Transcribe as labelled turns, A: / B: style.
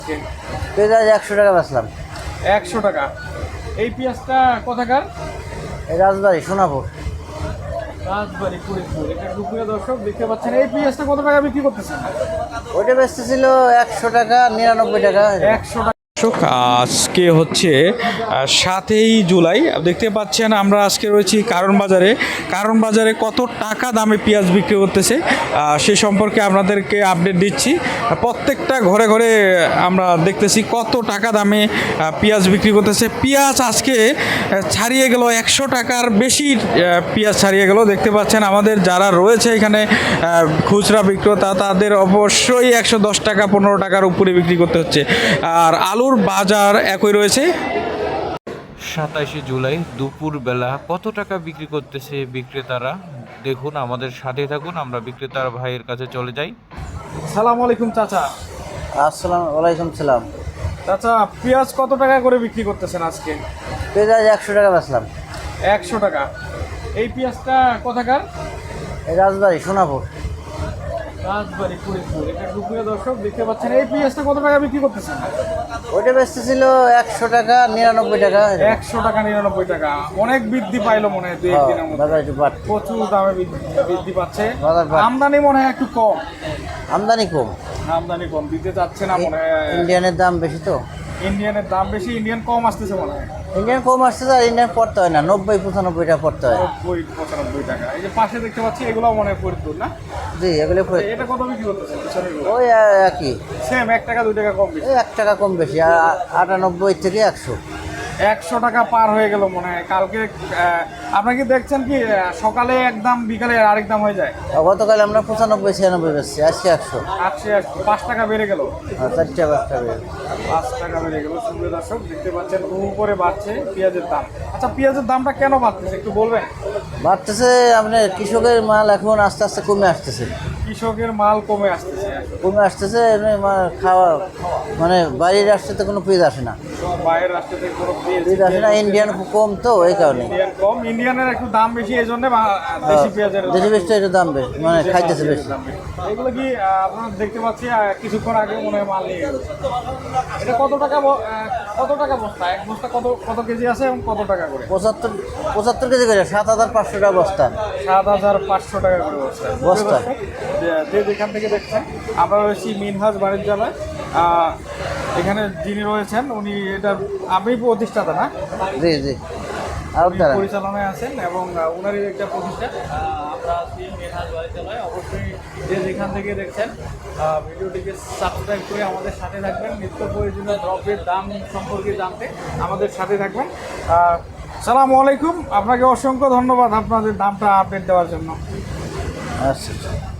A: পেঁয়াজ 100 টাকা বেচলাম।
B: 100 টাকা। এই পেঁয়াজটা কোথাকার?
A: এই রাজবাড়ি সোনাপুর।
B: রাজবাড়ি ফরিদপুর। এটা দুপুরে দর্শক দেখতে পাচ্ছেন। এই পেঁয়াজটা কত টাকা বিক্রি করতেছেন?
A: ওইটা বেচতেছিল 100 টাকা, 99 টাকা।
B: 100 টাকা। আজকে হচ্ছে 7ই জুলাই। দেখতে পাচ্ছেন আমরা আজকে রয়েছি কারণ বাজারে কত টাকা দামে পেঁয়াজ বিক্রি করতেছে সে সম্পর্কে আপনাদেরকে আপডেট দিচ্ছি। প্রত্যেকটা ঘরে ঘরে আমরা দেখতেছি কত টাকা দামে পেঁয়াজ বিক্রি করতেছে। পেঁয়াজ আজকে ছাড়িয়ে গেল 100 টাকার বেশি পেঁয়াজ ছাড়িয়ে গেল। দেখতে পাচ্ছেন আমাদের যারা রয়েছে এখানে খুচরা বিক্রেতা তাদের অবশ্যই 110 টাকা 15 টাকার উপরে বিক্রি করতে হচ্ছে। আর আলুর বাজার একই রয়েছে।
C: 27 জুলাই দুপুরবেলা কত টাকা বিক্রি করতেছে বিক্রেতারা দেখুন, আমাদের সাথে থাকুন, আমরা বিক্রেতার ভাইয়ের কাছে চলে যাই।
B: আসসালামু আলাইকুম চাচা।
A: আসসালামু আলাইকুম সালাম।
B: চাচা পেঁয়াজ কত টাকা করে বিক্রি করতেছেন আজকে?
A: পেঁয়াজ 100 টাকা বেচলাম।
B: 100 টাকা। এই পেঁয়াজটা কোথাকার?
A: এই রাজবাড়ি সোনাপুর।
B: রাজবাড়ি ফরিদপুর। এটা দুপুরে দর্শক দেখতে পাচ্ছেন। এই পেঁয়াজটা কত টাকা বিক্রি করতেছেন?
A: ওইটা বেচতেছিল 100 টাকা, 99 টাকা।
B: 100 টাকা 99 টাকা। অনেক বৃদ্ধি পাইলো মনে হয় 2-1 দিনের মধ্যে।
A: বাজার একটু বাড়তি।
B: প্রচুর দামে বৃদ্ধি পাচ্ছে।
A: বাজার বাড়তি।
B: আমদানি মনে হয় একটু কম।
A: আমদানি কম।
B: আমদানি কম দিতে চাচ্ছে না মনে হয়।
A: ইন্ডিয়ানের দাম বেশি তো।
B: ইন্ডিয়ানের দাম বেশি, ইন্ডিয়ান কম আসতেছে মনে হয়।
A: ইন্ডিয়ান কম আসতেছে আর ইন্ডিয়ান পড়তে হয় না, 90-95 টাকা পড়তে হয়।
B: 90-95 টাকা। এই যে পাশে দেখতে পাচ্ছি এগুলো মনে হয় ফরিদপুর না?
A: জি, এগুলো
B: এটা কত বিক্রি করতেছে?
A: ওই একই,
B: সেম 1 টাকা 2 টাকা কম বেশি।
A: এই 1 টাকা কম বেশি। আর 98 থেকে 100।
B: 100 টাকা পার হয়ে গেল মনে হয়। কালকে আপনারা কি দেখছেন কি সকালে একদম বিকালে আরেক দাম হয়ে যায়?
A: গতকাল আমরা 95-96 বেচছি, আজকে 100।
B: 5 টাকা বেড়ে গেল।
A: 4 টাকা
B: 5 টাকা বেড়ে গেল। সুপ্রিয় দর্শক দেখতে পাচ্ছেন উপরে বাড়ছে পেঁয়াজের দাম। আচ্ছা পেঁয়াজের দামটা কেন বাড়তেছে একটু বলবেন?
A: বাড়তেছে আপনার কৃষকের মাল এখন আস্তে আস্তে কমে আসতেছে।
B: কৃষকের মাল কমে আসতেছে।
A: এমনি খাওয়া মানে বাইরের রাষ্ট্রে তো কোনো পেঁয়াজ আসে না।
B: বাইরের রাষ্ট্র থেকে কোনো
A: পেঁয়াজ আসে না, ইন্ডিয়ান খুব কম তো এই কারণে।
B: ইন্ডিয়ান কম, ইন্ডিয়ানের একটু দাম বেশি, এই জন্য দেশি পেঁয়াজের
A: দেশি পেঁয়াজটা একটু দাম বেশি, মানে খাইতেছে বেশি।
B: এগুলো কি আপনারা দেখতে পাচ্ছি কিছুক্ষণ আগে মনে হয় মাল নিয়ে গেল। এটা কত টাকা বস্তা? এক বস্তা কত কেজি আছে এবং কত টাকা করে?
A: 75 কেজি করে 7,500 টাকা বস্তা।
B: 7,500 টাকা করে বস্তা। যে যেখান থেকে দেখছেন আমরা রয়েছি মিনহাজ বাণিজ্যালয়। এখানে যিনি রয়েছেন উনি এটা আপনি প্রতিষ্ঠাতা না?
A: জি জি,
B: পরিচালনায় আছেন এবং ওনারই একটা প্রতিষ্ঠান। আমরা আছি মিনহাজ বাণিজ্যালয়। অবশ্যই যে যেখান থেকে দেখছেন ভিডিওটিকে সাবস্ক্রাইব করে আমাদের সাথে থাকবেন। নিত্য প্রয়োজনীয় দ্রব্যের দাম সম্পর্কে জানতে আমাদের সাথে থাকবেন। আসসালামু আলাইকুম। আপনাকে অসংখ্য ধন্যবাদ আপনাদের দামটা আপডেট দেওয়ার জন্য।
A: আচ্ছা।